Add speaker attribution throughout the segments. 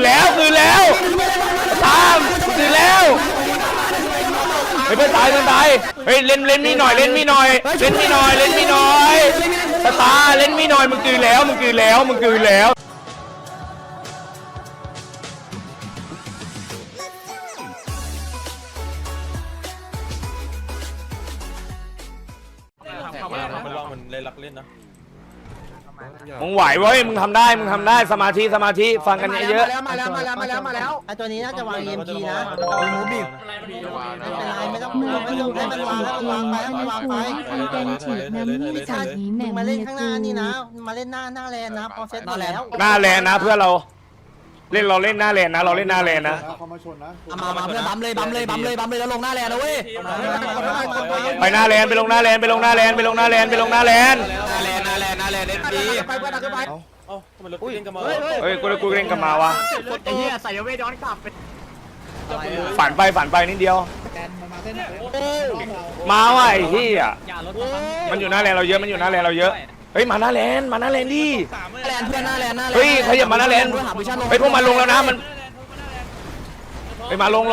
Speaker 1: แล้วตามคืนแล้วเฮ้ยเพื่อนตายเฮ้ยเล่นมีหน่อยตาเล่นมีหน่อยมึงคืนแล้ว
Speaker 2: มันลองมันเล่นรักเล่นนะ
Speaker 1: มึงไหวเว้ยมึงทำได้สมาธิฟังกันเยอะ
Speaker 3: มาแล้วไอตัวนี้น่าจะวาง EMP นะหมูบีบไม่ต้องให้มันวางไปมาเล่นข้างหน้านี่นะมาเล่นหน้าแลนนะพอเซตหมดแล้ว
Speaker 1: หน้าแลนนะเพื่อนเราเล่นหน้าแลนนะเราเล่นหน้าแลนนะ
Speaker 3: มาเพื่อนบัมเลยแล้วลงหน้าแลนนะเว้ย
Speaker 1: ไปหน้าแลนไปลงหน้าแลนเล่นดี
Speaker 3: ไปเพื่อนขึ้นไป
Speaker 2: เอ้าทำไมรถเล่นกันมา
Speaker 1: เฮ้ยกูเล่นกับมาวะ
Speaker 3: ไอ้เหี้ยใส่เวย้อนกลับไป
Speaker 1: ฝันไปนิดเดียวมาว่ะไอ้เหี้ยมันอยู่หน้าแลนเราเยอะเฮ้ยมาหน้าแลนดิ
Speaker 3: แลน
Speaker 1: เฮ้ยขยับมาหน้าแลนเฮ้ยพวกมันลงแล้วนะมันเฮ้ยมาลง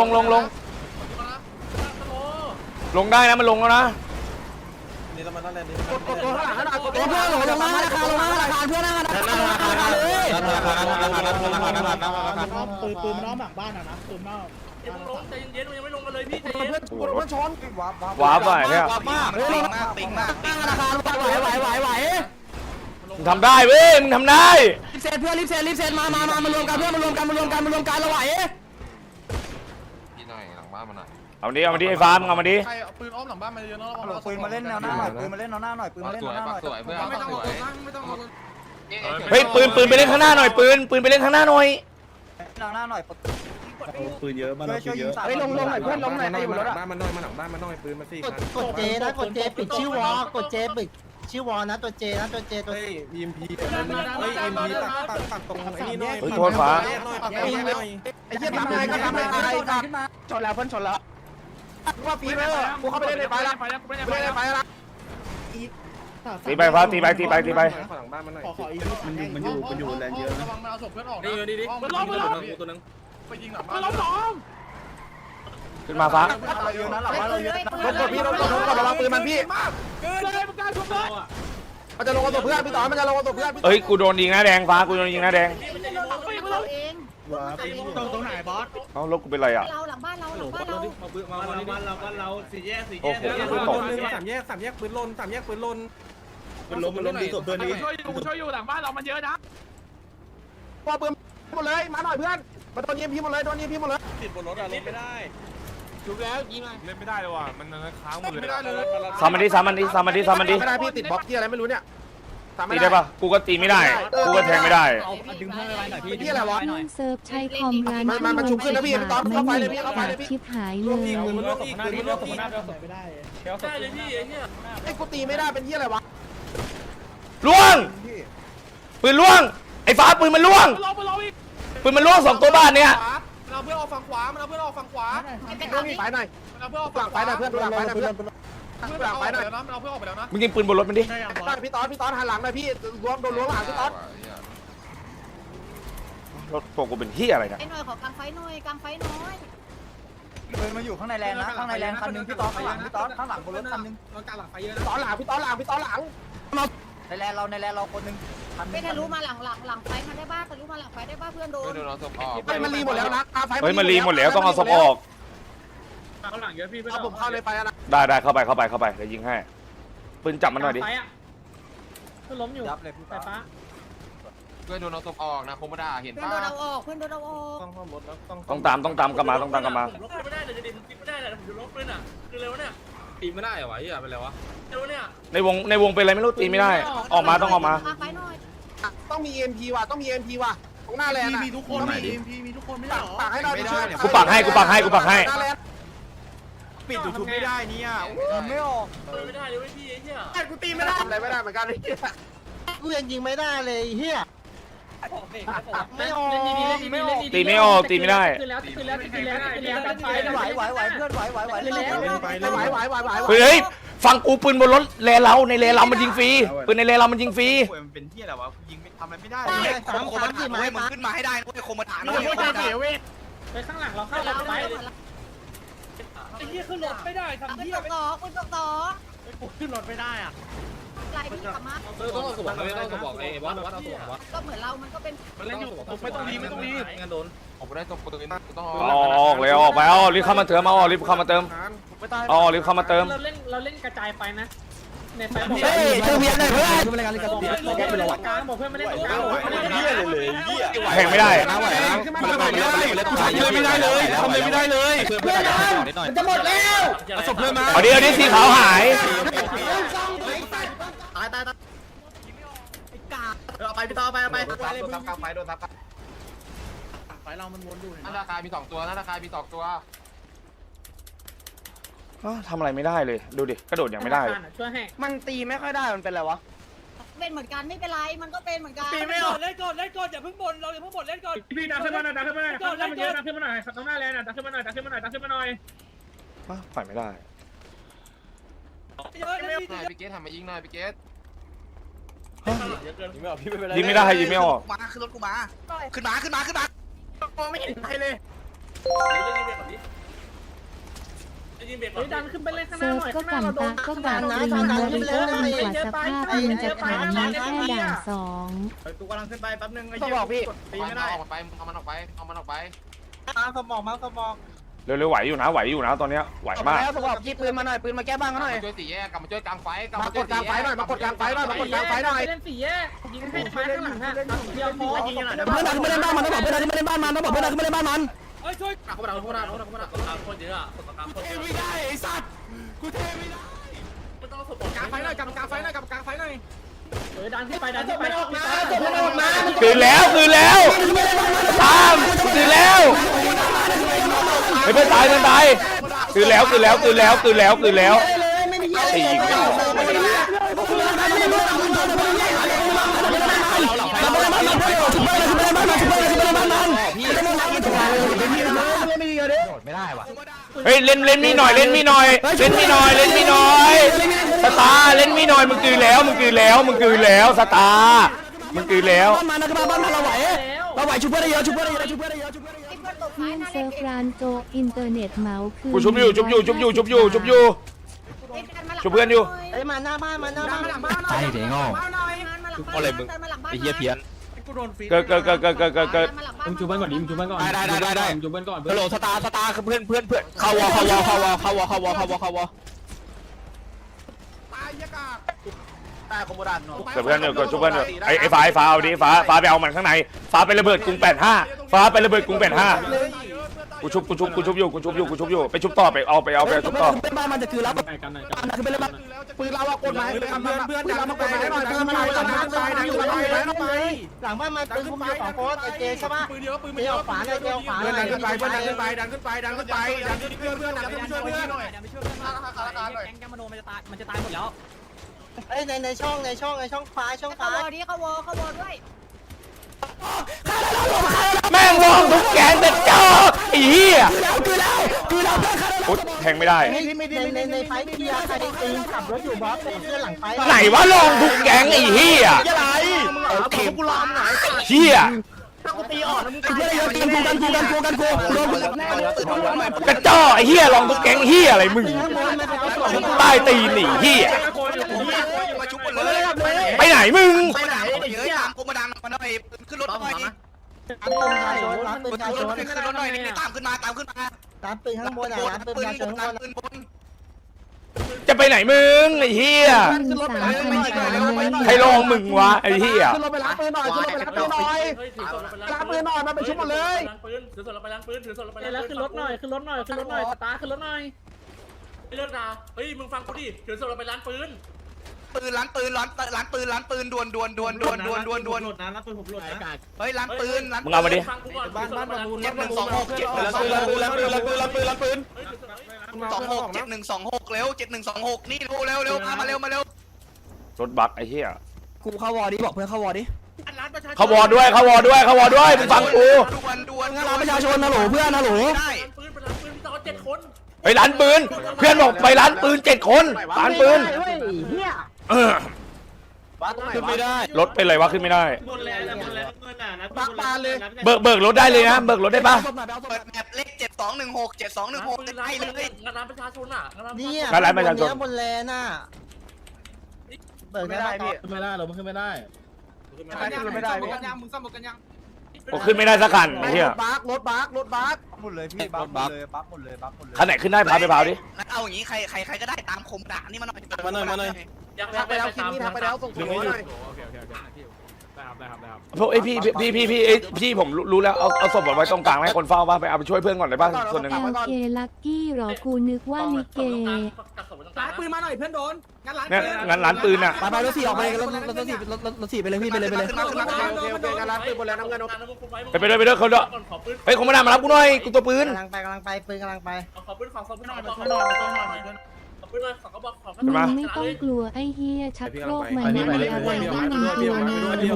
Speaker 1: ได้นะมันลงแล้วนะ
Speaker 2: นี่เรามาหน้าแลนด์นี่
Speaker 3: ตัวข้างหลังตัวเพื่อนลงมาราคาเพื่อนราคาเลย
Speaker 4: ปืนน้องหลังบ้านนะปืนนอกใจเย็นๆยังไม่ลงกันเลยพี่ใจเย็น
Speaker 3: เพื่อนชน
Speaker 1: ว้าไปเนี่ย
Speaker 3: ติงมากราคาไหว
Speaker 1: มึงทำได้เว้ยมึงทำได้
Speaker 3: รีบเซตเพื่อนรีบเซตมารวมกันเพื่อนมารวมกันเราไหว
Speaker 5: พี่หน่อยหลังบ้านมาหน่อย
Speaker 1: เอามาดิไอ้ฟ้ามึงเอามาดิ
Speaker 4: ใครปืนอ้อมหลังบ้านมาเยอะเนาะ
Speaker 3: ปืนมาเล่นแนวหน้าหน่อยปืนมาเล่นแนวหน้าหน่อย
Speaker 5: สวยเพื่อน
Speaker 4: ไม่ต้อง
Speaker 5: สวย
Speaker 4: ไม่ต้อง
Speaker 1: เฮ้ยปืนไปเล่นข้างหน้าหน่อยปืนไปเล่นข้างหน้าหน่อย
Speaker 3: แนวหน้าหน่อย
Speaker 2: ปืนเยอะมาเราปืนเยอะ
Speaker 3: เฮ้ยลงหน่อยเพื่อนลงหน่อยตีบนรถ
Speaker 5: บ้านมันน้อยมาหลังบ้านมันน้อยปืนมาสี่
Speaker 3: กดเจนะกดเจปิดชื่อวอกดเจปิดชื่อวอนะตัวเจตัว
Speaker 2: เฮ้ย EMP ปักตรงไอ้นี่หน่อย
Speaker 1: เฮ้ยโทษฟ้า
Speaker 3: ไอ้เหี้ยทำอะไรก็ทำอะไรชนแล้วเพื่อนชนแล้วว่าปีไปเลยกูเข้าไปเล่นในไฟละ
Speaker 1: ตีไปฟ้าตีไป
Speaker 5: หลังบ้านมันหน่อย
Speaker 4: ขออีกมันอยู่แรงเยอะระวังมันเอาศพเพื่อนออกนะดีมันล้มตัวนึงไปยิงหลังบ้านล้ม
Speaker 1: ขึ้นมาฟ้า
Speaker 3: เราเยอะนะหลังบ้านเราเยอะรถกดพี่รถกดระวังปืนมันพี่
Speaker 4: เกินเลยมันกล้าชมเลย
Speaker 3: มันจะลงกับตัวเพื่อนพี่ต่อมันจะลงกับตัวเพื่อน
Speaker 1: เฮ้ยกูโดนยิงหน้าแดงฟ้ากูโดนยิงหน้าแดง
Speaker 4: ตรงไหนบอส
Speaker 1: เอ้ารถกูเป็นไรอ่ะ
Speaker 6: เราหลังบ้านเรา
Speaker 4: สี่แยก
Speaker 1: โอ้โห
Speaker 2: สามแยกปืนลนมันล้มดูศพตัวนี้
Speaker 4: ช่วยอยู่หลังบ้านเรามันเยอะนะ
Speaker 3: พอปืนหมดเลยมาหน่อยเพื่อนมาโดนยิงพี่หมดเลย
Speaker 2: ติดบนรถอะลงไม่ได้
Speaker 3: ถูกแล้วยิงมา
Speaker 2: เล่นไม่ได้เลยว่ะมันค้างหมดเลย
Speaker 4: ไม่ได้เลย
Speaker 1: สามมันดิ
Speaker 3: ไม่ได้พี่ติดบล็อกที่อะไรไม่รู้เนี่ย
Speaker 1: ตีได้ปะกูก็ตีไม่ได้กูก็แทงไม่ได้
Speaker 3: ดึงเพื่อนไปหน่อยพี่อะไรวะ
Speaker 7: น้องเซิร์ฟใช้คอมร้าน
Speaker 3: มันชุบขึ้นนะพี่ตอนเข้าไปเลยพี่เข้าไปเลยพี่
Speaker 7: ชิบหายเลย
Speaker 4: ไม่ได้ได้เลยพี่ไอ้เนี่ย
Speaker 3: ไอ้กูตีไม่ได้เป็นที่อะไรวะ
Speaker 1: ล่วงปืนล่วงไอ้ฟ้าปืนมันล่วง
Speaker 4: ลงอีก
Speaker 1: ปืนมันล่วง2ตัวบ้านเนี่ย
Speaker 4: เราเพื่อนออกฝั่งขวาเราเพื่อนออกฝั่งขวา
Speaker 3: ไปหน่อย
Speaker 4: เราเพื่อนออก
Speaker 3: หลั
Speaker 4: ฝั่
Speaker 3: ง
Speaker 4: ง
Speaker 3: ไปหน่อยเพื่อนหลังไปหน่อยเพื่อน
Speaker 4: เพื่อนออกไปแล้วนะเราเพื่อนออกไปแล้วนะ
Speaker 1: มึงยิงปืนบนรถมันดิ
Speaker 3: พี่ตอนหันหลังหน่อยพี่โดนล้วงหลังพี่ตอน
Speaker 1: รถตัวกูเป็นที่อะไรเนี่ย
Speaker 6: ไอ้หน่อยขอกางไฟหน่อยกางไฟน้อย
Speaker 3: ปืนมาอยู่ข้างในแลนนะข้างในแลนคันนึงพี่ตอนข้างหลังพี่ตอนข้างหลังบนรถคันนึง
Speaker 4: เราการหลังไฟเยอะ
Speaker 3: พี่ตอนหลังในแลนเราคนนึง
Speaker 6: ไปทะลุมาหลังไฟมาได้บ้าทะลุมาหลังไฟได้บ้าเพื่อนโดน
Speaker 5: เพื่อนโดนเราศพออก
Speaker 3: ไปมันรีหมดแล้วนะ
Speaker 1: เฮ้ยมันรีหมดแล้วต้องเอาศพออก
Speaker 4: ข้างหลังเยอะพี่เพื่อน
Speaker 3: เอาผมเข้าเลยไปนะ
Speaker 1: ได้เข้าไปเดี๋ยวยิงให้ปืนจับมันหน่อยดิ
Speaker 4: เพื่อนล้มอยู่
Speaker 3: ยับเลยพี่
Speaker 4: ไฟฟ้า
Speaker 5: เพื่อนโดนเราศพออกนะคงไม่ได้เห็น
Speaker 6: เพื่อน
Speaker 5: ป่ะ
Speaker 6: โดนเอาออกเพื่อนโดนเอาออก
Speaker 1: ต้องตามกลับมา
Speaker 4: ลบไม่ได้เลยจะดิมติดไม่ได้เลยผมจะลบเลยน่ะคือเร็วเนี่ยตีไม่ได้เหรอวะอย่าไปเลยวะเร็วเนี่ย
Speaker 1: ในวงเป็นอะไรไม่รู้ตีไม่ได้ออกมาต้องออกมาก
Speaker 6: างไฟหน่อย
Speaker 3: ต้องมี EMP ว่ะตรงหน้าแลน
Speaker 4: มีทุกคนมีทุกคนไม่ได้หรอ
Speaker 3: ปากให้เราช่วย
Speaker 1: กูปักให้
Speaker 2: ปิดยูทูบไม่ได้เนี่ย
Speaker 3: ไม่ออก
Speaker 4: ไม่ได้เลยพี่ไอ้เนี่ย
Speaker 3: กูตีไม่ได้ทำอะไรไม่ได้เหมือนกันกูยังยิงไม่ได้เลยเฮียไม่ออก
Speaker 1: ตีไม่ออกตีไม่ได้
Speaker 4: คือแล้วกันไฟ
Speaker 3: ไหวเพื่อนไหว
Speaker 1: เฮ้ยฟังกูปืนบนรถแลเราในแลเรามันยิงฟรีปืนในแลเรามันยิงฟรี
Speaker 3: มันเป็นที่อะไรวะยิงไม่ทำอะไรไม่ได้
Speaker 6: สามคนที่มา
Speaker 3: มึงขึ้นมาให้ได้โคมฐาน
Speaker 2: ไปข้างหลังเราเข้าเราไปไอ้เหี้ยขึ้นรถไม่ได้ทำ
Speaker 6: คุณ
Speaker 2: เหี้ย
Speaker 6: ต่อคุณต่อ
Speaker 2: ขึ้นรถไม่ได้อ่ะ
Speaker 6: ไหลพี่กลับมา
Speaker 5: ต้องเอาสมองไม่ต้องสมองไอ้วัดเอาสมองวัด
Speaker 6: ก็เหมือนเรามันก็เป็น
Speaker 2: มันเล่นอยู่ไม่ต้องรีงั้นโดน
Speaker 5: ผมได้ตัวปืนต้อง
Speaker 1: ออกเลยออกไปเอารีบเข้ามาเติมเอารีบเข้ามาเติมเอารีบเข้ามาเติม
Speaker 2: เราเล่นกระจายไฟนะในไฟ
Speaker 3: เฮ้ยเธอเพียนเลยเพื่อน
Speaker 2: บอกเพื่อนไม่เล่นตรงกลางบอกเพื่อนไม่เล่นตรงกลาง
Speaker 1: แข่งไม่ได้
Speaker 3: นะไหวนะมันไม่ได้ไม่ได้เลยทำอะไรไม่ได้เลยเพื่อนมันจะหมดแล้วศพเพื่อนมา
Speaker 1: เอาดิสีขาวหาย
Speaker 3: ตายเอาไปพี่ต่อไปเอาไป
Speaker 5: โดนทับกลางไฟโดนทับ
Speaker 2: ไฟเรามันวนอยู่
Speaker 5: หน้าตาคายมี2ตัวหน้าตาคายมี2ตัว
Speaker 1: ทำอะไรไม่ได้เลยดูดิกระโดดยังไม่ได้
Speaker 2: ช่วยให้
Speaker 3: มันตีไม่ค่อยได้มันเป็นอะไรวะ
Speaker 6: เป็นเหมือนกันไม่เป็นไรมันก็เป็นเหมือนกัน
Speaker 2: ตีไม่ออกเล่นก่อนอย่าเพิ่งบ่นเราอย่าเพิ่งบ่นเล่นก่อนพี่ดันขึ้นมาหน่อยดันขึ้นมาหน่อยดันขึ้นมาหน่อยตรงหน้าแลนดันขึ้นมาหน่อยดันขึ้นมาหน่อยดันขึ้นมาหน่อย
Speaker 1: ปล่อยไม่ได้
Speaker 5: พี่เกตทำมายิงหน่อยพี่เกต
Speaker 1: ยิงไม่ได้ยิงไม่ออก
Speaker 3: มาขึ้นรถกูมาขึ้นมามองไม่เห็นใครเลย
Speaker 2: ดันขึ้นไปเล่นข้างห
Speaker 7: เซิ
Speaker 2: น้า
Speaker 7: ร์ฟ
Speaker 2: หน่อย
Speaker 7: ก็
Speaker 2: ข้างหน้า
Speaker 7: กัน
Speaker 2: เราโด
Speaker 7: ตาน ก็การีนบริโภคดีกว่าสภาพมันจะขายนี้แค่ด่านสอง
Speaker 3: กูกำลังขึ้นไปแป๊บนึงไอ้เหี้ยพี่ตีไม่ได้
Speaker 5: เอามันไปเอามันออกไปเอามันออกไป
Speaker 3: มาสมอง
Speaker 1: เร็วๆไหวอยู่นะตอนเนี้ยไหวมาก
Speaker 3: แล้วบอกยิงปืนมาหน่อยปืนมาแก้บ้างหน่อย
Speaker 5: ช่วยสี่แยกกลับมาช่วยกลางไฟกลับ
Speaker 3: มากดกลางไฟหน่อยมากดกลางไฟหน่อย
Speaker 2: เล่นสี่แยกยิงให้ไฟข้างหลังฮะเดียวพอ
Speaker 3: เพื่อนดันไม่เล่นบ้านมันต้องบอกเพื่อนดันไม่เล่นบ้านมันต้องบอกเพื่อนดันไม่เล่นบ้านมัน
Speaker 2: เฮ้ยช่วย
Speaker 3: ไม่ได้ไอ้สัตว์กูเทไม่ได้กลางไฟหน่อยกลางไฟหน่อย
Speaker 2: ดันขึ้นไปดันขึ้นไป
Speaker 1: คืนแล้วตามคืนแล้วไม่เป็นตายคืนแล้วตีอีกเฮ้ยเล่นมีหน่อยสตาเล่นมีหน่อยมึงคืนแล้วสตามึงคืนแล้ว
Speaker 3: บ้านมันบ้านเราไหวชุบเพื่อนได้เยอะ
Speaker 6: ไอ้เพื่อนตกท้าย
Speaker 7: ที่
Speaker 6: นะ
Speaker 7: เซิร์ฟร้านโจอินเทอร์เน็ตเมาส์คือ
Speaker 1: กูชุบอยู่ชุบเพื่อนอยู่
Speaker 3: ไอ้มาหน้าบ้านมาหน้าบ้านหลังบ้าน
Speaker 6: ใช่เดี๋ยวงออะไรมึงไอ้เหี้ยเพี้ยน
Speaker 2: กูโดนฟี
Speaker 1: เกิด
Speaker 6: มึงจูบ้านก่อนดิมึงจูบ้านก่อน
Speaker 3: ได้
Speaker 6: จูบ้านก่อน
Speaker 3: ฮัลโหลสตาร์คือเพื่อนเข้าวอตายคอมโบดัน
Speaker 1: เกิดเพื่อนอยู่ไอ้ฟ้าเอาดิฟ้าไปเอามันข้างในฟ้าไประเบิดกรุง85ฟ้าไประเบิดกรุง85กูชุบอยู่ไปชุบต่อไปเอาชุบต่อ
Speaker 3: เป็นบ้านมันจะคือรับกันหน่อยคือเป็นบ้านปืนเรากดหมายเพื่อนดันมากดหมายหน่อยปืนมาหลังบ้านมันปืนคุมอยู่2โพสไอเจใช่ปะปืนเดียวขวาเลยเดียวขวาดันขึ้นไปเพื่อนดันขึ้นไปดันขึ้นช่วยเพื่อนหน่อย
Speaker 2: แกมโนมันจะตายหมดแล้ว
Speaker 3: เอ้ยในช่องฟ้า
Speaker 6: เขาวอดิเขาวอด้วย
Speaker 1: แม่งวองทุกแกงแต่เจ้าไอ้เหี้ยแทงไม่ได้
Speaker 3: ในไฟเทียร์ใครตีขับรถอยู่บอสเพื่อนหลังไฟ
Speaker 1: ไหนวะลองทุกแกงไอ้เหี้ย
Speaker 3: อะไรโอเคกูลองไหน
Speaker 1: เหี้ย
Speaker 3: ถ้ากูตีอ่อนมึงเพื่อนเยอะกันกูโดนกู
Speaker 1: กระจ้อไอ้เหี้ยลองทุกแกงเหี้ยอะไรมึงใต้ตีหนีเหี้ยไปไหนมึง
Speaker 3: ไปไหนเยอะตามกูมาดังมาหน่อยขึ้นรถหน่อยรับปืนชายชนขึ้นรถหน่อยนี่ตามขึ้นมารับปืนข้างบนรับปืนชายชนข้างบน
Speaker 1: จะไปไหนมึงไอ้เหี้ยใครลองมึงวะไอ้เหี้ย
Speaker 3: ขึ้นรถไปรับปืนหน่อยรับปืนหน่อยมาไปชุบหมดเลย
Speaker 2: ถือศพเราไปล้างปืนแล้วขึ้นรถหน่อยสตาร์ขึ้นรถหน่อยเลิกนะเฮ้ยมึงฟังกูดิถือศพเราไปล้างปืน
Speaker 3: ร้านปืนด่วนนะร้านปืนผมหลุดนะเฮ้ยร้านปืน
Speaker 1: มึงเอามาดิ
Speaker 2: บ้านประมูล
Speaker 3: 7126เร็ว7126นี่เร็วมาเร็ว
Speaker 1: รถบักไอ้เหี้ย
Speaker 3: กูเข้าวอดิบอกเพื่อนเข้าวอดิ
Speaker 1: เขาวอด้วยมึงฟังกู
Speaker 3: ด่วนงานประชาชนนะโหลเพื่อนนะโหล
Speaker 2: ปืนไปล้างปืนพี่ต่อ7 คน
Speaker 1: ไปร้านปืนเพื่อนบอกไปร้านปืน7 คนร้านปืนเออ
Speaker 4: ขึ้นไม่ได้
Speaker 1: รถเป็นไรวะขึ้นไม่ได้
Speaker 2: บนแลนด์บนแลนด์เงินน่ะนะ
Speaker 4: ปักปานเลย
Speaker 1: เบิกรถได้เลยนะเบิกรถได้ปะ
Speaker 3: เปิดแมปเลข7216ได้เลย
Speaker 2: งานร้านประชาชนอ่ะงานร้าน
Speaker 3: เนี่ย
Speaker 1: ร้านประชาชน
Speaker 3: บนแลนน่ะเบิกได้พี่
Speaker 4: ขึ้นไม่ได้เราขึ้นไม่ได้
Speaker 3: ไม่ได้พี่
Speaker 5: มึงซ่อมกันยัง
Speaker 1: ผมขึ้นไม่ได้สักคันไอ้เหี้ย
Speaker 4: รถบัก
Speaker 3: หมดเลยพี่บัฟหมดเลยบัฟหมดเลยบัฟหมดเลย
Speaker 1: คันไหนขึ้นได้พาไปพาวดิ
Speaker 3: งั้นเอาอย่างนี้ใครก็ได้ตามคมด่านี่มาหน่อย
Speaker 2: ยังทักไปแล้วคิดนี่ทักไปแล้วส่ง
Speaker 4: ดึงให้หน่อย
Speaker 1: พวกไอ้พี่ผมรู้แล้วเอาศพไว้ตรงกลางให้คนเฝ้าบ้างไปเอาไปช่วยเพื่อนก่อนได้ป่ะส่วนหนึ่ง
Speaker 7: LK ลักกี้หรอกูนึกว่าลิเก
Speaker 2: ร้านปืนมาหน่อย
Speaker 1: เนี่ยงั้นร้านปืนน่ะ
Speaker 3: ไปรถ4ออกไปรถ4ไปเลยพี่ไปเลยขึ้นมา
Speaker 4: งานร้านปืนบนแล้วน้ำเงิน
Speaker 1: ไปด้วยเขาด้วยเฮ้ยคงไม่ได้มารับกูหน่อยกูตัวปืน
Speaker 3: กำลังไปปืนกำลังไป
Speaker 2: ขอปืนขอปืนหน่อยขอปืนหน่อยขอปืนหน่อยขอกระบอกขอ
Speaker 7: มึงไม่ต้องกลัวไอ้เฮียชักโครกมันไม่มีอะไรที่มึงกลัวนะ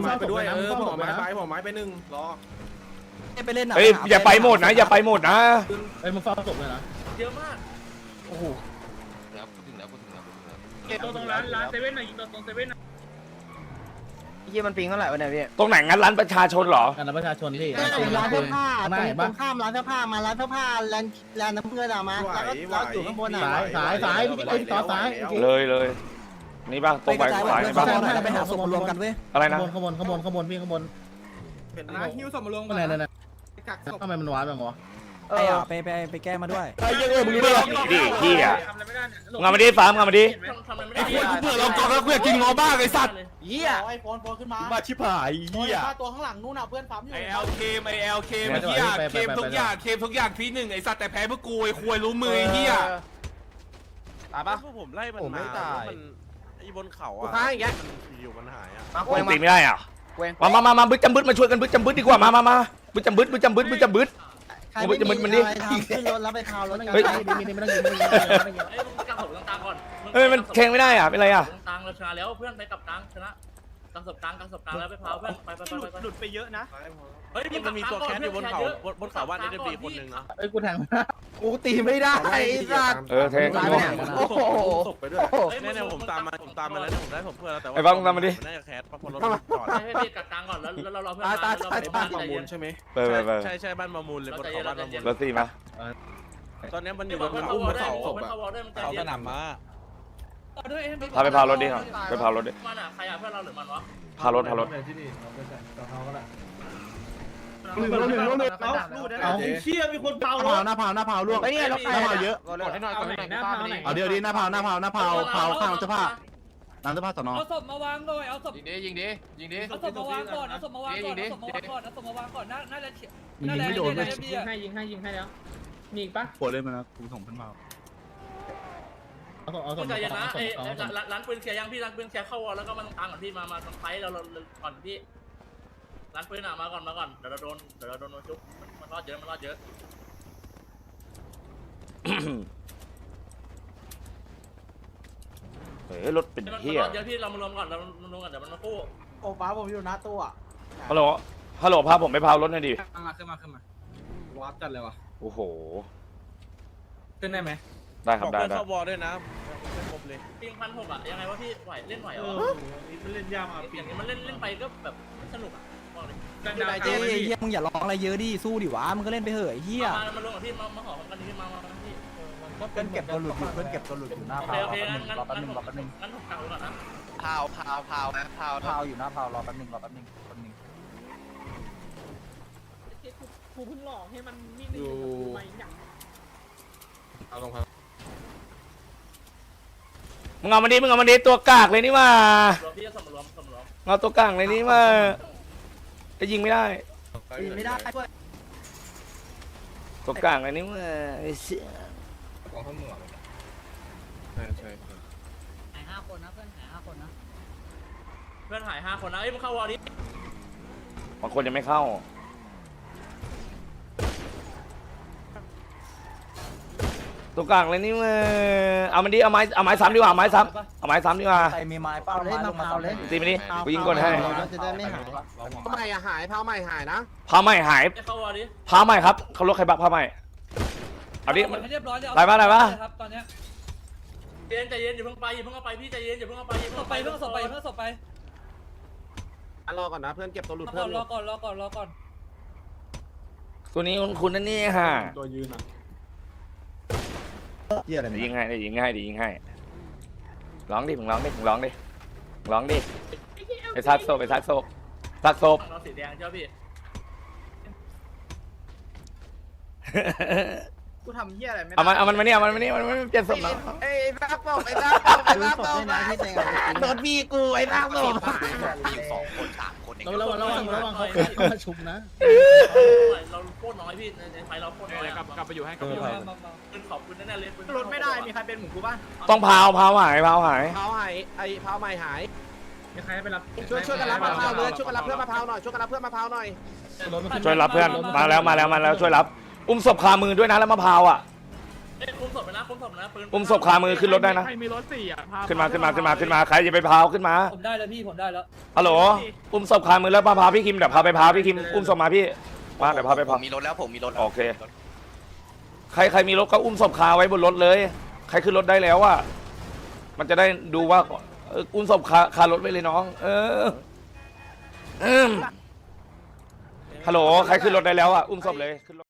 Speaker 4: ไปด้วยหัวไม้ไปหนึ่งรอ
Speaker 3: ไปเล่น
Speaker 1: เฮ้ยอย่าไปหมดนะอย่าไปหมดนะ
Speaker 4: ไอ้มึงเฝ้าศพเลยนะ
Speaker 2: เยอะมาก
Speaker 5: แล้วพูดถึงแล้ว
Speaker 2: ตรงร้านเซเว่นหน่อยยิงตรงเซเว่น
Speaker 3: ยี่มันปิงเท่าไหร่วะเนี่ยพี่
Speaker 1: ตรงไหนงั้นร้านประชาชนเหรอ
Speaker 4: งานประชาชนที่
Speaker 3: ร้านเสื้อผ้า
Speaker 4: ไม่
Speaker 3: ตรงข้ามร้านเสื้อผ้ามาร้านเสื้อผ้าแลนน้ำเงินมาแล้วก็อยู่ข้างบนอ่ะ
Speaker 4: สายพี่ต่อสาย
Speaker 1: เลยนี่ป่ะตรงไปสายนี่ป่ะ
Speaker 3: ไปหาศพมารวมกันเว้ย
Speaker 1: อะไรนะ
Speaker 4: ข้างบนพี่ข้างบนหิ้วศพมาลงไหนทำไมมันว้าแบบวะ
Speaker 3: ไปแก้มาด้วย
Speaker 4: ไอ้ยังมึงรู้หรอ
Speaker 1: ดิเฮียงานมาดิฟาร์มงานมาดิ
Speaker 2: ทำอะไรไม่ได้
Speaker 4: เบื่อเรากองแล้วกูอยากกินงอบ้าไอ้สัตว์
Speaker 3: เหี้ย
Speaker 2: ไอโฟนขึ้นมา
Speaker 4: มาชิบหายเหี้ย
Speaker 2: ตัวข้างหลังนู่นน่ะเพื่อนปั๊มอยู่
Speaker 8: ไอเอลเคมันเฮียเคมทุกอย่างทีหนึ่งไอสัตว์แต่แพ้เพื่อกูไอควยรู้มือไอเฮีย
Speaker 5: ตายปะ
Speaker 8: ผมไล่มันมามันไอบนเขาอ่ะ
Speaker 3: ข้างอย่างเงี้ย
Speaker 8: อยู่มันหายอ่ะ
Speaker 1: ตีไม่ได้อ่ะมาบึ้ดจำบึ้ดมาช่วยกันบึ้ดจำบึ้ดดีกว่ามาบึ้ดจำบึ้ดมันดิ
Speaker 3: ขึ้นรถแล้วไปคาวรถ
Speaker 1: เฮ้ย
Speaker 4: มีไม่ต้องยิงไม่ต้องยิง
Speaker 2: ไอ้มึงกางศพกลางก่อน
Speaker 1: เฮ้ยมันแข่งไม่ได้อ่ะเป็นไรอ่ะ
Speaker 2: กลางเราชนะแล้วเพื่อนไปกับกลางชนะกางศพกลางแล้วไปพาวเพื่อนไปหลุดไปเยอะนะเฮ้ย
Speaker 8: มันมีตัวแคสอยู่บนเขาบ้านเอ็มดีคนหนึ่งนะ
Speaker 4: ไอ้กูแทง
Speaker 3: กูตีไม่ได้ไอ้สัตว์
Speaker 1: แทง
Speaker 3: โอ้โห
Speaker 8: ศพไปด้วยเนี่ยผมตามมาแล้วผมได้ผมเพื่อนแล้วแต่ว่า
Speaker 1: ไอ้บ้างตามมาดิ
Speaker 8: น่าจะแคสเพราะรถจอด
Speaker 2: ให้พี่กับกลางก่อนแล้วเราเพื่อน
Speaker 8: บ้านมามูลใช่ไหม
Speaker 1: ไป
Speaker 8: ใช่บ้านมามูลเลยบนเขาบ้านมามูล
Speaker 1: รถตีมา
Speaker 8: ตอนนี้มันอยู่บน
Speaker 2: เขา
Speaker 8: อุ้มเขา
Speaker 2: เขาวอลด้วยมัน
Speaker 8: เขาสนามม้า
Speaker 1: พาไปพารถดิครับไปพารถดิ
Speaker 2: มันอ่ะใครอ่ะเพื่อนเราหรือมันวะ
Speaker 1: พารถ
Speaker 4: เอาเชี่ยมีคนเผาหน้าเผาล่วง
Speaker 3: ไอ้เนี่ยรถไฟ
Speaker 4: หน้าเผาเยอะ
Speaker 5: กดให้หน่อย
Speaker 4: เดี๋ยวดีหน้าเผาข้างเสื้อผ้าน้ำเสื้อผ้าสอนอ
Speaker 9: เอาศพมาวางหน่อยเอาศพ
Speaker 5: ยิงดิ
Speaker 9: เอาศพมาวางก่อนเอาศพมาวางก่อนเอาศพมาวางก่อนเอาศพมาวางก่อนน่าจะเฉีย
Speaker 4: ยิงไม่โดนเลย
Speaker 9: ยิงให้แล้วมีอีกปะ
Speaker 4: ปวดเลยมันนะกูส่งเพื่อนมาเอาส่ง
Speaker 2: ใจเย็นนะร้านปืนเคลียร์ยังพี่ร้านปืนเคลียร์เข้าวอลแล้วก็มาตรงกลางก่อนพี่มาตรงไฟเราก่อนพี่ร้านปืนอ่ะมาก่อนเดี๋ยวเราโดนชุบมันรอดเยอะ
Speaker 1: เฮ้ยรถเป็นเฮีย
Speaker 2: เดี๋ยวพี่เรามารวมก่อนเรารวมกันเดี๋ยวมันมาคู่
Speaker 3: โอ้ป้าผมอยู่หน้าตู้อ่ะ
Speaker 1: ฮัลโหลพาผมไปพารถหน่อยดิ
Speaker 9: ขึ้นมาวาร์ปจัดเลยวะ
Speaker 1: โอ้โห
Speaker 9: ขึ้นได้ไหม
Speaker 1: ได้ครับได้
Speaker 8: เข้าวอลด้วยนะไม่ครบเลย
Speaker 2: ปิง1,600อ่ะยังไงวะพี่ไหวเล่นไหวเหรอ
Speaker 9: มันเล่นยากอ่ะ
Speaker 2: อย่างนี้มันเล่นไปก็แบบไม่สนุกอ่ะบอกเลย
Speaker 3: เจ๊เฮียมึงอย่าร้องอะไรเยอะดิสู้ดิวะมึงก็เล่นไปเหอะเฮีย
Speaker 2: มาลงกับพี่มาหอมกันพี่มาพี่
Speaker 3: เพื่อนเก็บตัวหลุดอยู่หน้า
Speaker 2: โอ
Speaker 3: พา
Speaker 2: เค
Speaker 3: ว
Speaker 2: งั้นผมกลางก่อนนะ
Speaker 3: พาวอยู่หน้าพาวรอแป๊บนึง
Speaker 9: กูเพิ่งหลอกให้มันนิ่งๆกูไม่หนัก
Speaker 8: เอาตรงครับ
Speaker 1: มึงเอามาดิตัวกากเลยนี่มาร
Speaker 2: วมพี่จะสมรวม
Speaker 1: เอาตัวกากเลยนี่มาจะยิงไม่ได้
Speaker 3: ไม่ได้ด้วย
Speaker 1: ตัวกากเลยนี่มาไอ้เสีย
Speaker 5: ของข้าวเหนียวใช่
Speaker 6: หาย5 คนนะเพื่อนหาย5 คนนะ
Speaker 2: เพื่อนหาย5 คนนะเอ้ยมึงเข้าวอร์ดิ
Speaker 1: บางคนยังไม่เข้าตัวกลางเลยนี่มาเอามันดิเอาไม้ซ้ำดีกว่าไม้ซ้ำดีกว่า
Speaker 3: ใครมีไม้เป้าเล่นมาพาวเลย
Speaker 1: ตีมันดิกูยิงก่อนให้
Speaker 3: จะได้ไม่หาย
Speaker 4: ผ้าใหม่หายผ้าใหม่หายนะ
Speaker 1: ผ้าใหม่หาย
Speaker 2: เข้าวอร์ดิ
Speaker 1: ผ้าใหม่ครับเขารถใครบักผ้าใหม่เอาดิ
Speaker 9: ให้เรียบร้อยเลย
Speaker 1: ได้ปะได้ปะ
Speaker 9: ครับตอนเนี้ย
Speaker 2: ใจเย็นอย่าเพิ่งไปอย่าเพิ่งเอาไปพี่ใจเย็นอย่าเพิ่งเอาไปอย่า
Speaker 9: ศ
Speaker 2: เพิ่ง
Speaker 9: พไปเพิ่งศพไปเพิ่งศพไป
Speaker 4: รอก่อนนะเพื่อนเก็บตัวหลุด
Speaker 9: รอ
Speaker 4: เพื่
Speaker 9: ก่
Speaker 4: อ
Speaker 9: อน นรอก่อนรอก่อนรอก่อน
Speaker 1: ตัวนี้คุณนั่นนี่ฮะ
Speaker 4: ตัวยืนอ่ะ
Speaker 3: เหี้ยอะไร
Speaker 1: เดี๋ยวยิงให้เดี๋ยวยิงให้เดี๋ยวยิงให้ร้องดิมึงร้องดิมึงร้องดิมึงร้องดิไปซักโซไปซักโซซักโซ
Speaker 2: เราสีแดงเจ้าพี่
Speaker 4: กูทำเหี้ยอะไรไม่ได้
Speaker 1: เอามันมาเนี่ยมันมานี่มันไม่เปลี่ยนศพมา
Speaker 4: ไอ้รักบอกไอ้รักบอกไอ้รักบอกโดนพี่กูไอ้รักบอก
Speaker 3: มีอยู่2 คน 3 คนเอง
Speaker 9: ระวังเขามาชุบนะ
Speaker 2: เราโคตรน้อยพี่ในไฟเราโคตรน้อย
Speaker 8: กลับไปอยู่ให้กลับไป
Speaker 2: ปืนขอบปืนแน่ๆเลยปืน
Speaker 4: รถไม่ได้มีใครเป็นหมูกูป่ะ
Speaker 1: ต้องพาวหายพาวหาย
Speaker 4: เผาหายไอ้เผาใหม่หาย
Speaker 5: มีใครไปรับ
Speaker 4: ช่วยกันรับมะพร้าวเลยช่วยกันรับเพื่อนมะพร้าวหน่อยช่วยกันรับเพื่อนมะพร้าวหน่อย
Speaker 1: ช่วยรับเพื่อนมาแล้วช่วยรับอุ้มศพคามือด้วยนะแล้วมะพร้าวอ่ะ
Speaker 2: คุมศพไปนะคุมศพนะปืน
Speaker 1: อุ้มศพคามือขึ้นรถได้นะ
Speaker 8: ใครมีรถ4อ่ะ
Speaker 1: ขึ้นมาใครจะไปพาวขึ้นมา
Speaker 9: ผมได้แล้วพี่ผมได้แล้ว
Speaker 1: ฮัลโหลอุ้มศพคามือแล้วพาพี่คิมเดี๋ยวพาไปพาพี่คิมอุ้มศพมาพี่มาเดี๋ยวพาไป
Speaker 3: ผ
Speaker 1: พา
Speaker 3: มมีรถแล้วผมมีรถแล้ว
Speaker 1: โอเคใครมีรถก็อุ้มศพคาไว้บนรถเลยใครขึ้นรถได้แล้วอ่ะมันจะได้ดูว่าอุ้มศพคารถไว้เลยน้องฮัลโหลใครขึ้นรถได้แล้วอ่ะอุ้มศพเลยขึ้นรถ